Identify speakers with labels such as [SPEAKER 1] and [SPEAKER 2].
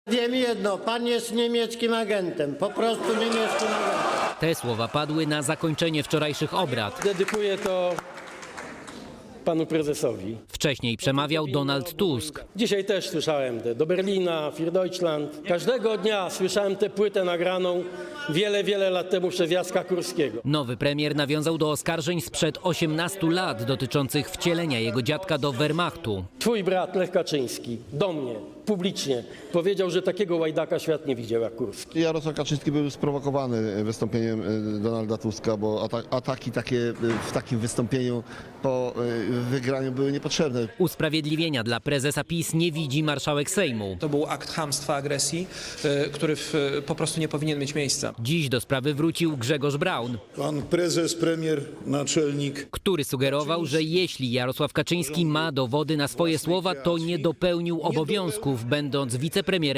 [SPEAKER 1] Wiem jedno, pan jest niemieckim agentem, po prostu niemieckim agentem.
[SPEAKER 2] Te słowa padły na zakończenie wczorajszych obrad.
[SPEAKER 3] Dedykuję to panu prezesowi.
[SPEAKER 2] Wcześniej przemawiał Donald Tusk.
[SPEAKER 3] Dzisiaj też słyszałem do Berlina, für Deutschland. Każdego dnia słyszałem tę płytę nagraną wiele lat temu przez Jacka Kurskiego.
[SPEAKER 2] Nowy premier nawiązał do oskarżeń sprzed 18 lat dotyczących wcielenia jego dziadka do Wehrmachtu.
[SPEAKER 3] Twój brat Lech Kaczyński do mnie publicznie powiedział, że takiego łajdaka świat nie widział jak Kurski.
[SPEAKER 4] Jarosław Kaczyński był sprowokowany wystąpieniem Donalda Tuska, bo ataki takie w takim wystąpieniu po wygraniu były niepotrzebne.
[SPEAKER 2] Usprawiedliwienia dla prezesa PiS nie widzi marszałek Sejmu.
[SPEAKER 5] To był akt chamstwa, agresji, który po prostu nie powinien mieć miejsca.
[SPEAKER 2] Dziś do sprawy wrócił Grzegorz Braun,
[SPEAKER 6] Pan prezes, premier, naczelnik.
[SPEAKER 2] który sugerował, że jeśli Jarosław Kaczyński ma dowody na swoje słowa, to nie dopełnił obowiązków, będąc wicepremierem